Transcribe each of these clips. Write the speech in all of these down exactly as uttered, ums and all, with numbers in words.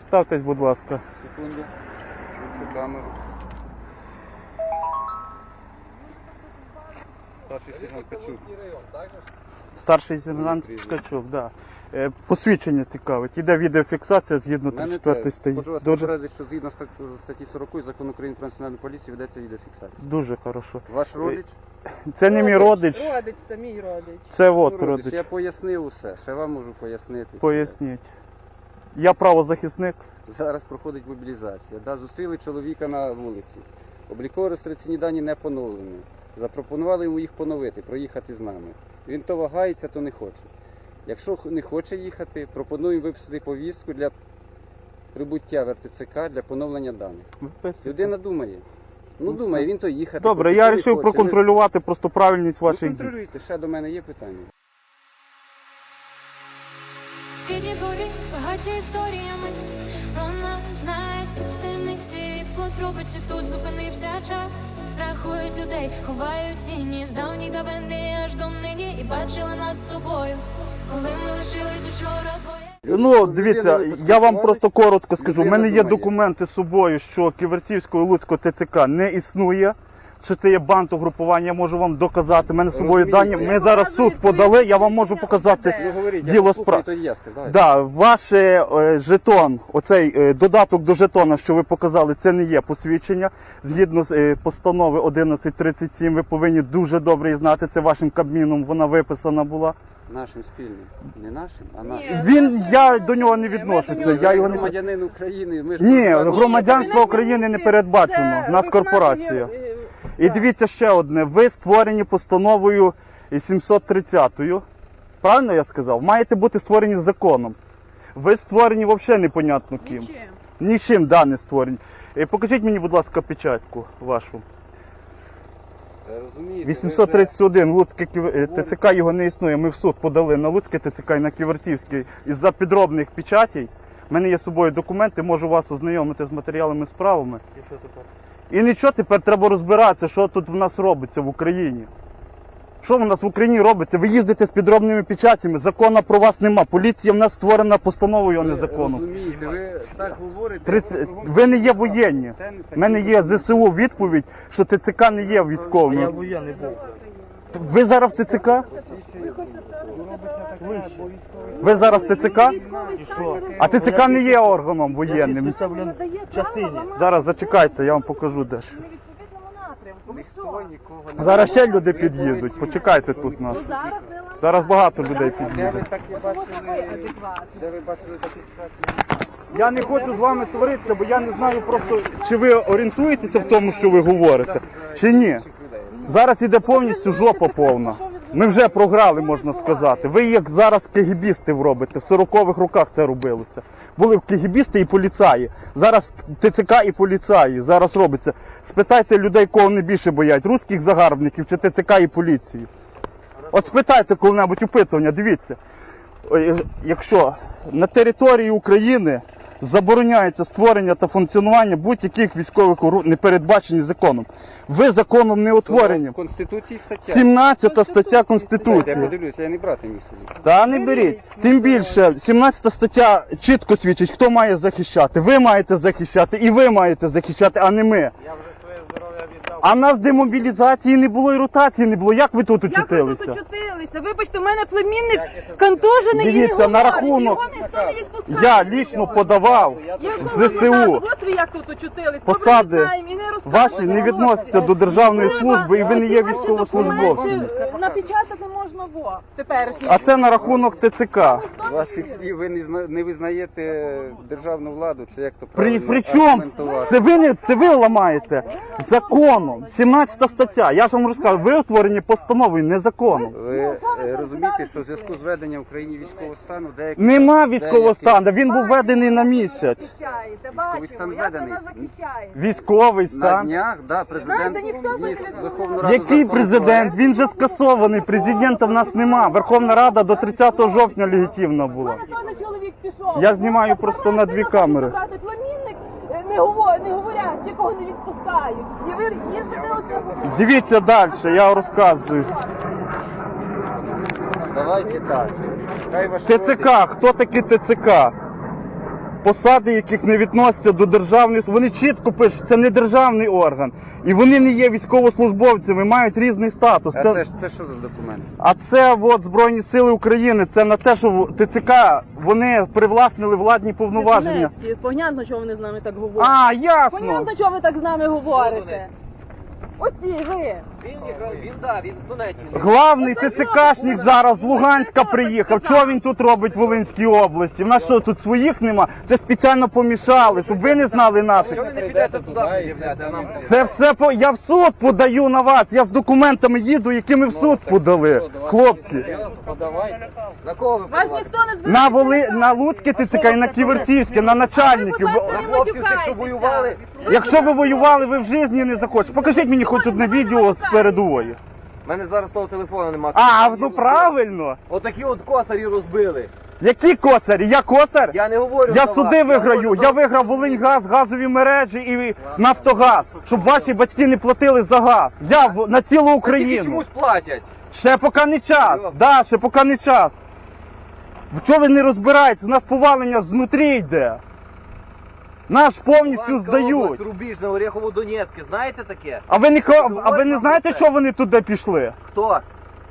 Представтесь, будь ласка. Секунду. Включу камеру. Старший сержант Качук. Старший сержант Ткачук, да. Е, Посвідчення цікавить. Іде відеофіксація згідно тридцять четвертої статті. Хочу вас Дуже, попередити, що згідно стат- статті сорок Закону України про національну поліцію ведеться відеофіксація. дуже хорошо. Ваш родич? Це не мій родич, Родич, це мій родич. це от Ну, родич. Я родич. пояснив усе, ще вам можу пояснити. Поясніть. Я правозахисник. Зараз проходить мобілізація. Да, зустріли чоловіка на вулиці. Обліково-реєстраційні дані не поновлені. Запропонували йому їх поновити, проїхати з нами. Він то вагається, то не хоче. Якщо не хоче їхати, пропонуємо виписати повістку для прибуття в ер те це ка для поновлення даних. Виписуйте. Людина думає. Ну, Ну, думає, все. він то їхати. Добре, хоче, я то не вирішив хоче. Ви- проконтролювати просто правильність Ви ваших дій. контролюйте, ще до мене є питання. Рідні двори багаті історіями, про нас знають всі темниці, подробиці тут зупинився час. Рахують людей, ховають тіні з давніх давини аж до нині. І бачили нас з тобою, коли ми лишились учора двоє. Ну, дивіться, я вам просто коротко скажу. У мене є документи з собою, що Ківерцівського і Луцького те це ка не існує. Що це є бандугрупування, я можу вам доказати. У мене з собою дані. Розумієте, Ми зараз в суд подали, я вам можу показати. Ну, говоріть, Діло я справ- послухаю, то я скажу. Давайте. Да, ваш е, жетон, оцей е, додаток до жетона, що ви показали, це не є посвідчення. Згідно з е, постанови одинадцять тридцять сім, ви повинні дуже добре її знати. Це вашим Кабміном, вона виписана була. Нашим спільним. Не нашим, а Ні. нашим. Він, я до нього не Ми відношуся. до нього Я не його не Громадянин України. Ми ж Ні, просто- громадянство України не передбачено. У нас корпорація. І дивіться ще одне. Ви створені постановою сімсот тридцятою. Правильно я сказав? Маєте бути створені законом. Ви створені взагалі непонятно ким. Нічим. Нічим, да, не створені. Е, Покажіть мені, будь ласка, печатку вашу. Е, розумієте, ви вісімсот тридцять один, Луцьке Ків- е, те це ка його не існує. Ми в суд подали на Луцьке те це ка і на Ківерцівський. Із-за підробних печатей. У мене є з собою документи, можу вас ознайомити з матеріалами справами. І що тепер? І нічого, тепер треба розбиратися, що тут в нас робиться в Україні. Що в нас в Україні робиться? Ви їздите з підробними печатями, закону про вас нема. Поліція в нас створена постановою, а не Ви законом. розумієте, ви так говорите. тридцять Ви не є воєнні. У мене є зе се у відповідь, що те це ка не є Я військовим. воєнний був. Ви зараз в те це ка? Ви зараз в те це ка? І що? А те це ка не є органом воєнним. Я числюся, блін, в частині. Зараз зачекайте, я вам покажу дещо. Ми в відповідному напрямку. Ви що? Ніхто нікого не Зараз ще люди під'їдуть. Почекайте тут нас. Ну, зараз не ламаємо. Зараз багато людей А де під'їде. ви такі Тому що ви бачили? адекватні. Де ви бачили такі ситуації? Я не хочу з вами сваритися, бо я не знаю просто, чи ви орієнтуєтеся в тому, що ви говорите, чи ні. Зараз іде повністю жопа повна. Ми вже програли, можна сказати. Ви як зараз кегібістів робите, в сорокових роках це робилося. Були кегібісти і поліцаї. Зараз те це ка і поліцаї. Зараз робиться. Спитайте людей, кого вони більше боять, руських загарбників чи те це ка і поліції. От спитайте коли-небудь опитування, дивіться. Ой, якщо на території України забороняється створення та функціонування будь-яких військових ору- не передбачені законом. Ви законом не утворені. В Конституції стаття. сімнадцята стаття Я Конституції. подивлюся, я не брати міг собі. Та не беріть. Тим більше, сімнадцята стаття чітко свідчить, хто має захищати. Ви маєте захищати і ви маєте захищати, а не ми. Я вже своє здоров'я віддав. А нас демобілізації не було і ротації не було. Як ви тут Як ви тут очутилися? очутилися? Вибачте, у мене племінник контужений і не Дивіться, на говорить. рахунок- Його ніхто не відпускає. Я лічно подавав Як в ви зе се у. знаєте, От ви як тут очутились. Посади Добре, знаємо, і не розказуємо. Ваші не відносяться до державної служби і ви не є Ваші військовослужбовцем. документи Напечатати можна во теперішній. А це на рахунок те це ка. З ваших слів ви не, зна- не визнаєте державну владу, чи як то При, правильно при чому? аргументувати? Це ви, не, це ви ламаєте законом. сімнадцята стаття. Я ж вам розказав, ви утворені постановою, не законом. Ви е, розумієте, що в зв'язку з введенням в Україні військового стану деякі... Нема військового деякі- стану, він був введений на місяць. Захищаєте, Військовий бачимо, стан як ви введений. нас захищаєте. Військовий На стан. днях, да, президент Знаєте, ніхто вніс не в Верховну Раду Який закон президент? про- Він же скасований. Президента в нас нема. Верховна Рада до тридцятого жовтня легітимна У була. мене теж чоловік пішов. Я знімаю просто на дві камери. Брати племінник, е, не говорять, не говорять, якого не відпускають. І ви їздите оце. Дивіться далі, я розказую. Давайте так. Хай ваш те це ка, хто такі те це ка? посади, яких не відносяться до державних, вони чітко пишуть, це не державний орган. І вони не є військовослужбовцями, мають різний статус. А це, ж- це що за документ? А це от Збройні Сили України, це на те, що в- ТЦК, вони привласнили владні повноваження. Світонецькі, понятно, чого вони з нами так говорять. А, ясно. Понятно, чого ви так з нами говорите. Оці ви. Він якраз, він, да, він з Донеччини. Главний ТЦКшник зараз з Луганська приїхав. Чого він тут робить в Волинській області? В нас що, тут своїх нема? Це спеціально помішали, щоб ви не знали наших. Чого ви не підете туди пред'являти, а нам? Це все по я в суд подаю на вас. Я з документами їду, які ми в суд подали. Хлопці. Подавайте. На кого ви Вас подаваєте? ніхто не збирає. На Воли на Луцьке ТЦК і на Ківерцівське, на начальників. Ви, будь ласка, На не хлопців тих, що матюкайтеся. воювали? Якщо ви воювали, ви в житті не захочете. Покажіть мені хоч одне відео з передової. У мене зараз того телефону немає. А, ну правильно. Отакі от косарі розбили. Які косарі? Я косар? Я не говорю Я за суди вас, я виграю. говорю Я за- виграв Волиньгаз, газові мережі і Нафтогаз, щоб ваші батьки не платили за газ. Я в- на цілу Тільки Україну. чомусь платять. Ще поки не час. Да, ще поки не час. В чого ви не розбираєтесь? У нас повалення знутрі йде. Наш повністю Луганська здають. область, Рубіжне, Орехово-Донецьке, знаєте таке? А ви не ко- а ви Говорять не нам знаєте, про це. що вони туди пішли? Хто?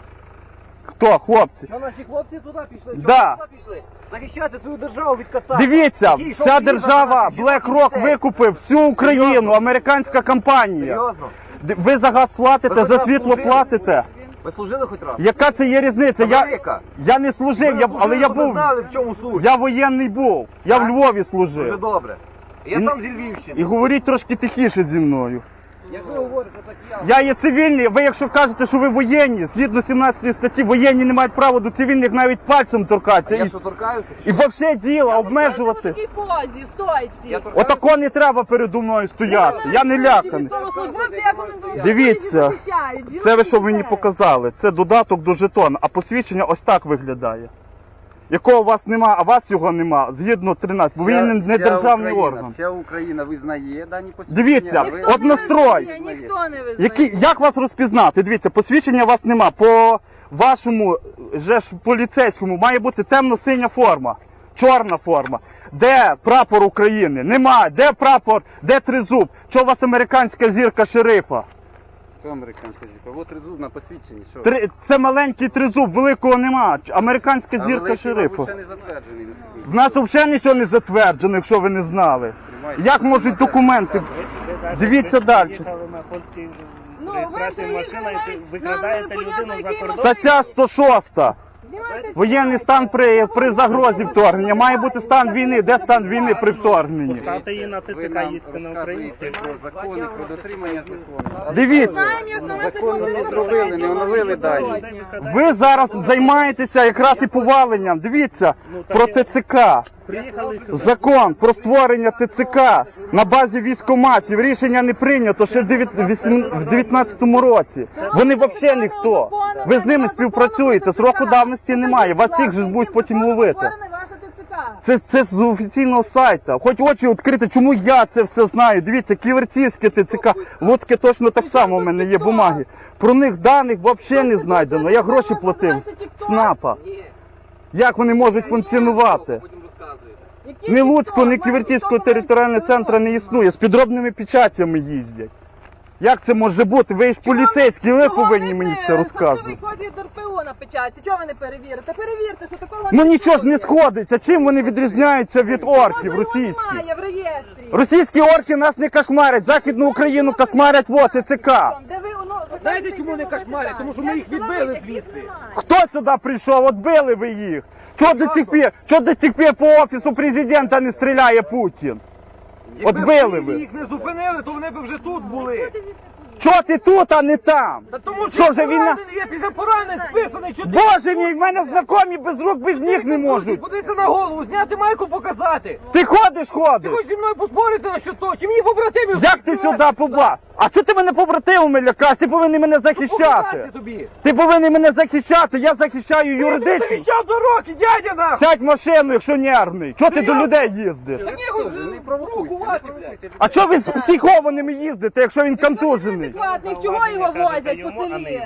Хто, хлопці? Ну, наші хлопці туди пішли. Чого Да. туди пішли? Захищати свою державу від кацапів. Дивіться, Який йшов вся війна держава, за BlackRock дітей. викупив всю Україну, Серйозно? американська компанія. Серйозно? Д- Ви за газ платите, Ви за за газ світло служили? платите. Ви служили хоч раз? Яка це є різниця? Я, Велика. я не служив, Ви я, служили, але я ви був. знали, в чому суть. Я воєнний був. Я в Так? Львові Дуже служив. добре. Я І- сам зі Львівщини. І говоріть трошки тихіше зі мною. Як ви говорите, так я. Я є цивільний, ви якщо кажете, що ви воєнні, згідно сімнадцятої статті, воєнні не мають права до цивільних навіть пальцем торкатися. Я І, що торкаюся? і взагалі діло, В обмежувати. такій позі, в стойці. Я торкаюся? Отако не треба передо мною стояти. Я не ляканий. Військовослужбовці, як вони тут Дивіться, захищають, жінок Це ви і що мені дітей. показали? Це додаток до жетона, а посвідчення ось так виглядає. Якого у вас нема, а вас його нема, згідно тринадцять, бо Вся- він не вся державний Україна, орган. Вся Україна визнає дані посвідчення. Дивіться, а ви- от настрой. Ні, ніхто не визнає. Які, як вас розпізнати? Дивіться, посвідчення у вас нема. По вашому же ж поліцейському має бути темно-синя форма, чорна форма. Де прапор України? Нема. Де прапор? Де тризуб? Чого у вас американська зірка шерифа? Хто американська зірка? От резуб на посвідченні. Що? Три... Це маленький тризуб, великого нема. Американська А зірка великий, шерифа. мабуть, ще не затверджений на собі. В нас взагалі нічого не затверджено, якщо ви не знали. Як можуть документи? Дивіться далі. Їхали на польській Ну, ви реєстрації приїхали машина, і навіть ви викрадаєте на непонятно людину за який кордон. Стаття сто шоста. Знімайте Воєнний стан при, при загрозі вторгнення. Має бути стан війни. Де стан війни при вторгненні? Поставте її на Ви ТЦК, нам їсти на розказуєте українській. про закони, про дотримання закону. Дивіться. Знаємо, як на мене Законно не зробили, не оновили дані. Ви зараз займаєтеся якраз і поваленням. Дивіться, про ТЦК. Приїхали сюди. Закон про створення ТЦК на базі військкоматів. Рішення не прийнято ще в дев'ятнадцятому році. Вони взагалі ніхто. Ви з ними співпрацюєте, сроку давності немає. Вас всіх же будуть потім ловити. Це, це з офіційного сайту. Хоч очі відкрити, чому я це все знаю. Дивіться, Ківерцівське ТЦК, Луцьке точно так само, у мене є бумаги. Про них даних взагалі не знайдено. Я гроші платив з СНАПа. Як вони можуть функціонувати? Потім розказуєте. Ні Луцького, ні Ківерцівського територіального центру не існує. З підробними печатями їздять. Як це може бути? Ви ж поліцейські, ви повинні мені це розказувати. Що ви ДРПО на печатці? Чого ви не перевірите? Перевірте, що такого Ну нічого ж не існує. сходиться. Чим вони відрізняються від орків Може, його російських? немає в реєстрі. Російські орки нас не кошмарять, Західну Україну кошмарять, вот ТЦК. Де ви, ну, ви Знаєте, знаєте, чому не які кошмарять? питання? Тому що ми їх Я відбили знаю, звідси. яких немає. Хто сюди прийшов? От били ви їх. Чого до цих пір, чого до цих пір по офісу президента не стріляє Путін? От Якби били б ви. їх не зупинили, то вони б вже тут були. Чого ти тут, а не там? Та тому Що що вже війна? поранений, я після поранень списаний, що ти... Боже мій, в мене знайомі без рук, без ніг не можуть. Подивися на голову, зняти майку, показати. Ти ходиш, Ти ходиш. хочеш зі мною поспорити на що то? Чи мені побратимів? Як ти сюди побачив? А чого ти мене побратимами лякаєш? Ти повинен мене захищати. Показати тобі. Ти повинен мене захищати, я захищаю Ти юридично. захищав до роки, дядя нахуй! Сядь в машину, якщо нервний. Чого ти до людей їздиш? Та ніхуй Не провокуйте, не провокуйте. А чого ви з психованими їздите, якщо він контужений? Адекватних, чого його возять по селі?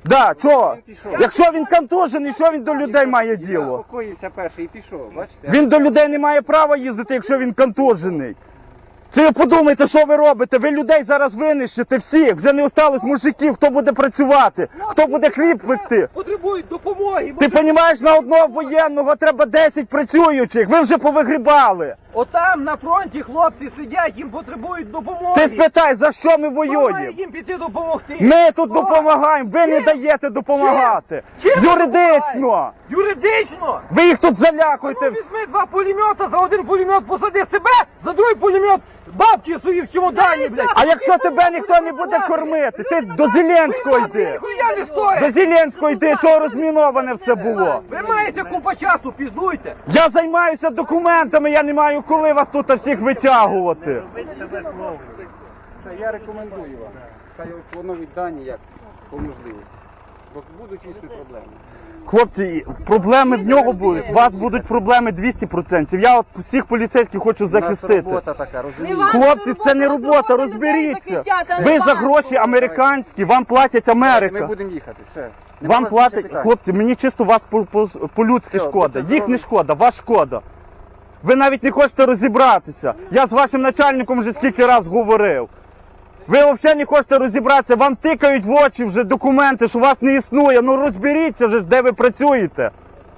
Да, чого? Він пішов. Якщо він контужений, що він до людей має Він діло? заспокоївся перший і пішов, бачите? Він до людей не має права їздити, якщо він контужений. Це ви подумайте, що ви робите? Ви людей зараз винищите всіх. Вже не осталось мужиків, хто буде працювати, хто буде хліб пекти. Потребують допомоги. Ти розумієш, на одного воєнного треба десять працюючих. Ви вже повигрібали. Отам на фронті хлопці сидять, їм потребують допомоги. Ти спитай, за що ми Хто має воюємо? їм піти допомогти? Ми тут Хто? допомагаємо, ви не Чим? даєте допомагати. Чим ви Юридично. допомагаєте? Юридично? Ви їх тут Ну, залякуєте. візьми два пулемета, за один пулемет посади себе, за другий пулемет бабки свої в чемодані, блядь. А якщо тебе ніхто не буде кормити, ти до Зеленського йди. Ніхуя не До стоїть. Зеленського йди, чого розміноване все було. Ви маєте купа часу, піздуйте. Я займаюся документами, я не маю коли вас тут всіх витягувати. Робить себе клоуном. Все, я рекомендую вам. Хай поновіть дані як по можливості. Бо будуть дійсно проблеми. Хлопці, проблеми в нього будуть, у вас будуть проблеми двісті відсотків. Я от всіх поліцейських хочу У нас захистити. робота така, розумієте? Не вам. Хлопці, це не Це робота, робота розберіться. людей захищати, а не Ви за банку. гроші американські, вам платять Ми Америка. будемо їхати, все. Нема Вам вас більше платять, питань. хлопці, мені чисто вас по- по- по-людськи Все, шкода. будьте Їх не здорові. шкода, вас шкода. Ви навіть не хочете розібратися. Я з вашим начальником вже скільки раз говорив. Ви взагалі не хочете розібратися, вам тикають в очі вже документи, що вас не існує. Ну розберіться вже, де ви працюєте.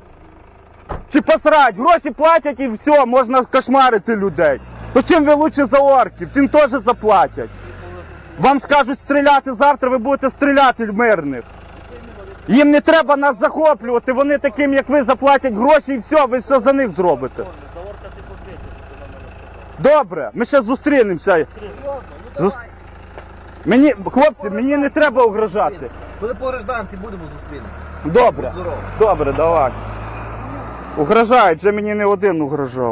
Чи посрать, гроші платять і все, можна кошмарити людей. То чим ви лучше за орків, тим теж заплатять. Вам скажуть стріляти завтра, ви будете стріляти в мирних. Їм не треба нас захоплювати, вони таким, як ви, заплатять гроші і все, ви все за них зробите. За орка ти подвічиш, що на мене все. Добре, ми ще зустрінемося. Зус- Мені, хлопці, мені не треба угрожати. Коли по гражданці будемо зустрінемося. Добре, Здорово. добре, давай. Угрожають, вже мені не один угрожав.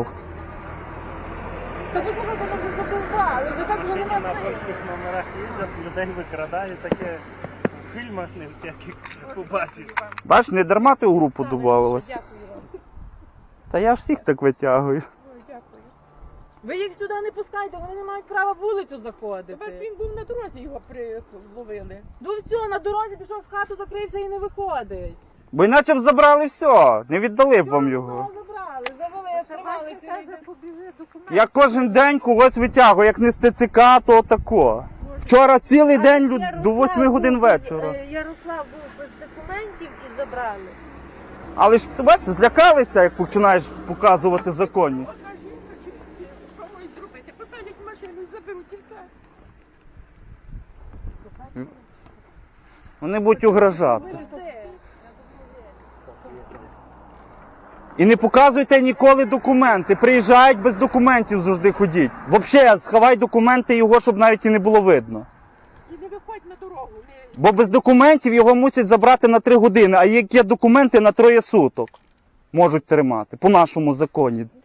Та послухайте, ми вже задовбали, вже так вже Нині нема на сил. польських номерах їздять, людей викрадають, таке в фільмах не всяких побачив. Бач, не дарма ти у групу додавалась. Та я ж всіх так витягую. Ви їх сюди не пускайте, вони не мають права вулицю заходити. Він був на дорозі, його приловили. Ну все, на дорозі пішов в хату, закрився і не виходить. Бо іначе б забрали все, не віддали б вам його. Його забрали, завели, тримали цілий день. побіжи документи. Я кожен день когось витягую, як не з ТЦК, то тако. Вчора цілий день люд- до восьми годин вечора. Ярослав був без документів і забрали. Але ж бачиш, злякалися, як починаєш показувати законність. Що можуть зробити? Поставлять машину і заберуть і все. Вони будуть угрожати. І не показуйте ніколи документи. Приїжджають без документів завжди ходіть. Взагалі, сховай документи його, щоб навіть і не було видно. І не виходь на дорогу. Не... Бо без документів його мусять забрати на три години, а як є документи на троє суток можуть тримати, по нашому законі.